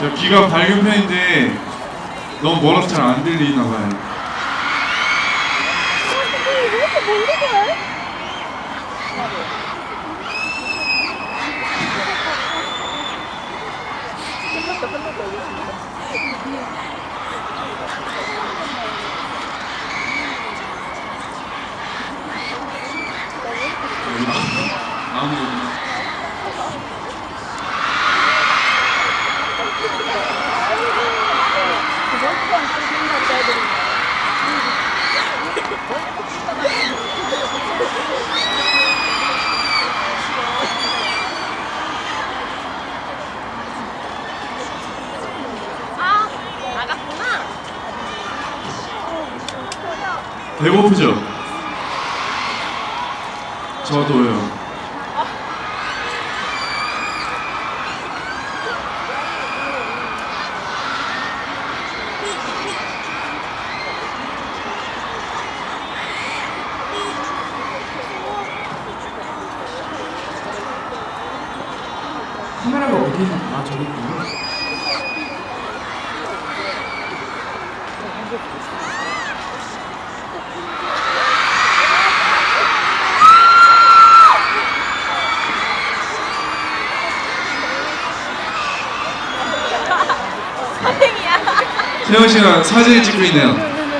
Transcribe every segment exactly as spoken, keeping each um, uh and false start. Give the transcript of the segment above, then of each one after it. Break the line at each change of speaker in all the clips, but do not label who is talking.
저 귀가 밝은 편인데 너무 멀어서 잘 안 들리나 봐요. 아무 배고프죠? 저도요.
카메라가 어디 있나? 아, 저기 있구나.
세영 씨가 사진을 찍고 있네요.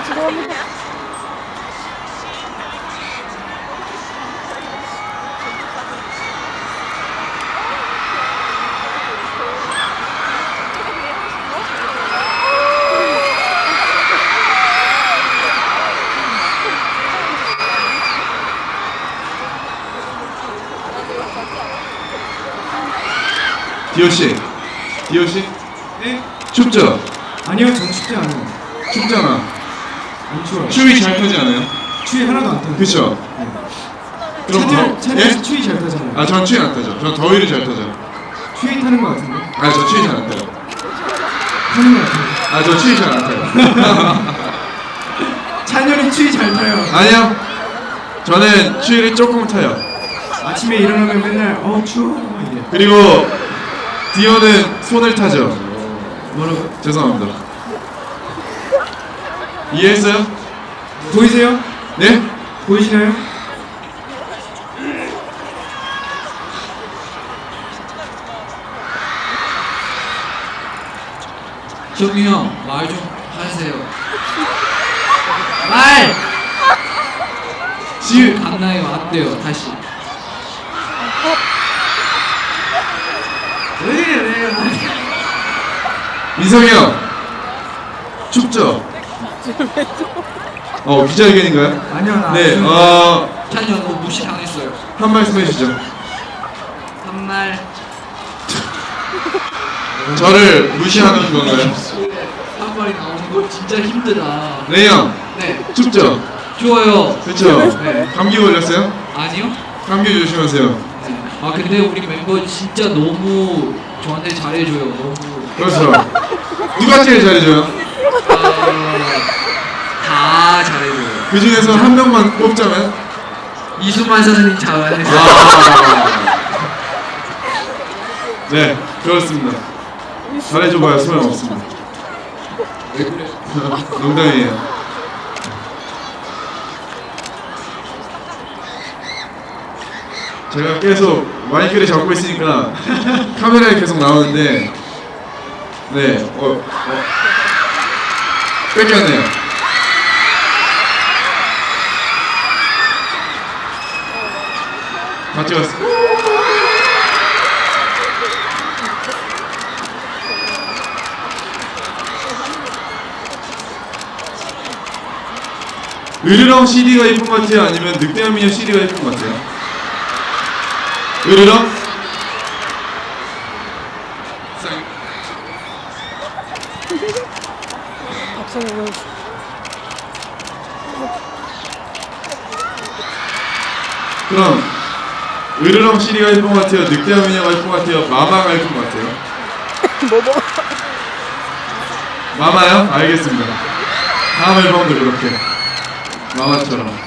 디오 씨, 디오 씨, 네? 춥죠?
아니요, 전 춥지 않아요.
춥잖아.
안 추워요.
추위 잘 타지 않아요?
추위 하나도 안 타요.
그쵸?
네.
그럼
찬열,
더,
찬열
예?
추위 잘 타잖아요.
아, 전 추위 안 타죠. 전 더위를 잘 타죠.
추위 타는 거 같은데?
아, 저 추위 잘 안 타요.
타는 거 같은데?
아, 저 추위 잘 안 타요.
찬열이 추위 잘 타요.
아니요. 저는 추위를 조금 타요.
아침에 일어나면 맨날 어 추워 이래.
그리고 디오는 손을 타죠.
뭐라고?
죄송합니다. 이해했어요?
보이세요?
네?
보이시나요?
정유 형, 말 좀 하세요. 말!
지,
갔나요? 안 돼요. 다시. 왜 이래, 왜 이래.
민성이 형. 춥죠? 어, 기자회견인가요?
아니요, 나
네,
안
어,
찬이 형, 너 무시당했어요.
한 말씀 해주시죠.
한 말.
저를 무시하는 건가요?
한 말이 나오는 거 진짜 힘들다.
네, 형.
네.
춥죠?
좋아요.
그쵸?
네.
감기 걸렸어요?
아니요?
감기 조심하세요.
네. 아, 근데 우리 멤버 진짜 너무 저한테 잘해줘요. 너무.
그렇죠. 누가 제일 잘해줘요?
아, 다 잘해줘요.
그 중에서 한 명만 뽑자면?
이수만 선생님 잘해줘요.
아. 네, 그렇습니다. 잘해줘봐야 소용없습니다.
왜 그래?
농담이에요. 제가 계속 마이크를 잡고 있으니까 카메라에 계속 나오는데 네, 어, 어. 뺏겼네요. 다 찍었어. 으르렁 씨디가 예쁜 것 같아요? 아니면 늑대한 미녀 씨디가 예쁜 것 같아요? 으르렁? 그럼 으르렁 씨디가 예쁜 것 같아요? 늑대한 미녀가 예쁜 것 같아요? 마마가 예쁜 것 같아요?
뭐 뭐?
마마요? 알겠습니다. 다음 앨범도 그렇게 마마처럼.